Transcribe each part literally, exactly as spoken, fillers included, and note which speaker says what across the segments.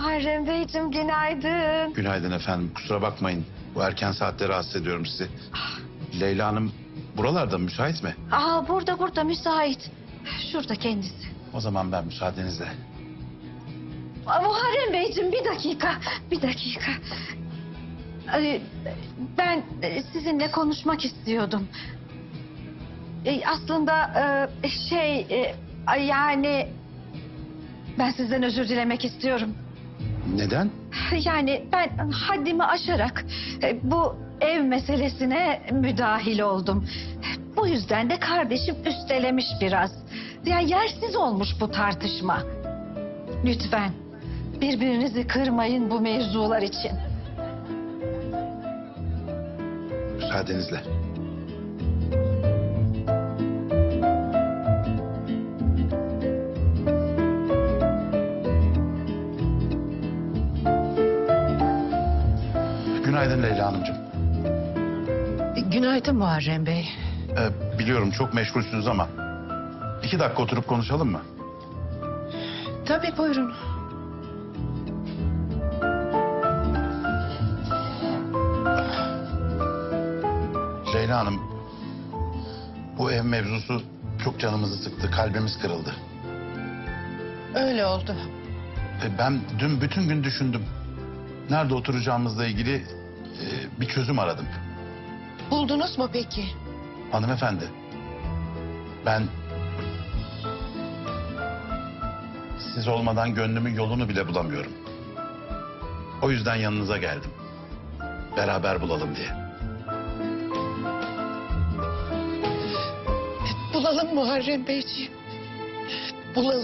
Speaker 1: Muharrem Beyciğim günaydın.
Speaker 2: Günaydın efendim. Kusura bakmayın. Bu erken saatte rahatsız ediyorum sizi. Leyla Hanım buralarda müsait mi?
Speaker 1: Aa, burada burada müsait. Şurada kendisi.
Speaker 2: O zaman ben müsaadenizle.
Speaker 1: Aa, Muharrem Beyciğim bir dakika. Bir dakika. Ee, Ben sizinle konuşmak istiyordum. Ee, Aslında e, şey e, yani ben sizden özür dilemek istiyorum.
Speaker 2: Neden?
Speaker 1: Yani ben haddimi aşarak e, bu ev meselesine müdahil oldum. Bu yüzden de kardeşim üstelemiş biraz. Yani yersiz olmuş bu tartışma. Lütfen birbirinizi kırmayın bu mevzular için.
Speaker 2: Müsaadenizle. Günaydın Leyla Hanımcığım.
Speaker 3: Günaydın Muharrem Bey.
Speaker 2: Ee, biliyorum çok meşgulsünüz ama iki dakika oturup konuşalım mı?
Speaker 3: Tabii buyurun.
Speaker 2: Leyla Hanım, bu ev mevzusu çok canımızı sıktı, kalbimiz kırıldı.
Speaker 3: Öyle oldu.
Speaker 2: Ee, ben dün bütün gün düşündüm. Nerede oturacağımızla ilgili e, bir çözüm aradım.
Speaker 3: Buldunuz mu peki?
Speaker 2: Hanımefendi, ben siz olmadan gönlümün yolunu bile bulamıyorum. O yüzden yanınıza geldim. Beraber bulalım diye.
Speaker 3: Bulalım Muharrem Beyciğim. Bulalım.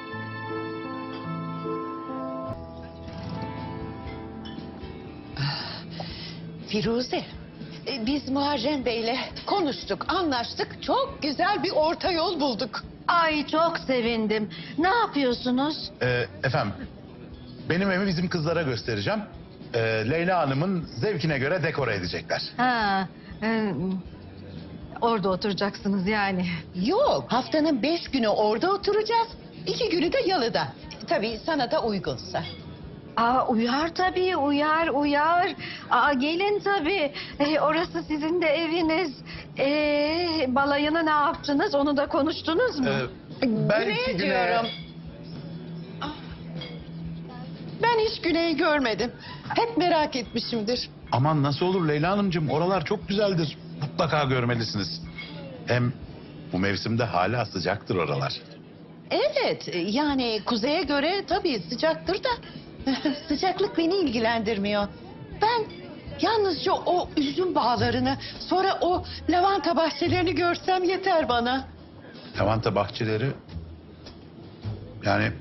Speaker 3: Firuze, e, biz Muharrem Bey'le konuştuk, anlaştık. Çok güzel bir orta yol bulduk.
Speaker 1: Ay çok sevindim. Ne yapıyorsunuz?
Speaker 2: Ee, efendim, benim evi bizim kızlara göstereceğim. Ee, Leyla Hanım'ın zevkine göre dekore edecekler.
Speaker 1: Ha, e, orada oturacaksınız yani.
Speaker 3: Yok, haftanın beş günü orada oturacağız. İki günü de yalıda. Tabii sana da uygunsa.
Speaker 1: Aa, uyar tabii, uyar, uyar. Aa, gelin tabii. Ee, orası sizin de eviniz. Ee, balayını ne yaptınız? Onu da konuştunuz mu?
Speaker 2: Ee, ben
Speaker 3: Güney
Speaker 2: iki güne-
Speaker 3: diyorum. Ah. Ben hiç Güney'i görmedim. Hep merak etmişimdir.
Speaker 2: Aman nasıl olur Leyla Hanımcığım, oralar çok güzeldir. Mutlaka görmelisiniz. Hem bu mevsimde hala sıcaktır oralar.
Speaker 3: Evet, yani kuzeye göre tabii sıcaktır da sıcaklık beni ilgilendirmiyor. Ben yalnızca o üzüm bağlarını, sonra o lavanta bahçelerini görsem yeter bana.
Speaker 2: Lavanta bahçeleri... Yani...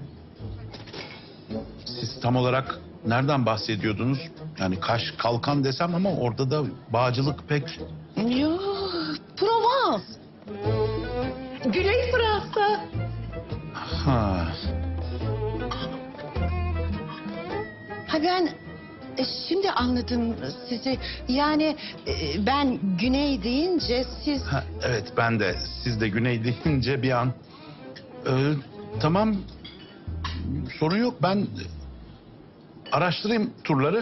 Speaker 2: Siz tam olarak nereden bahsediyordunuz? Yani Kaş, Kalkan desem ama orada da bağcılık pek...
Speaker 3: Yo, Provence. Güney Fransa.
Speaker 2: Ha.
Speaker 3: Ha ben e, şimdi anladım sizi. Yani e, ben güney deyince siz...
Speaker 2: Ha, evet ben de siz de güney deyince bir an... Ee, tamam, sorun yok, ben araştırayım turları.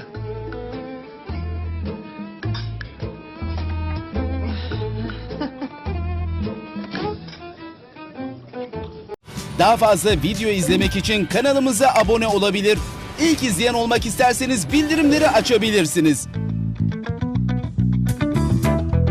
Speaker 4: Daha fazla video izlemek için kanalımıza abone olabilir. İlk izleyen olmak isterseniz bildirimleri açabilirsiniz.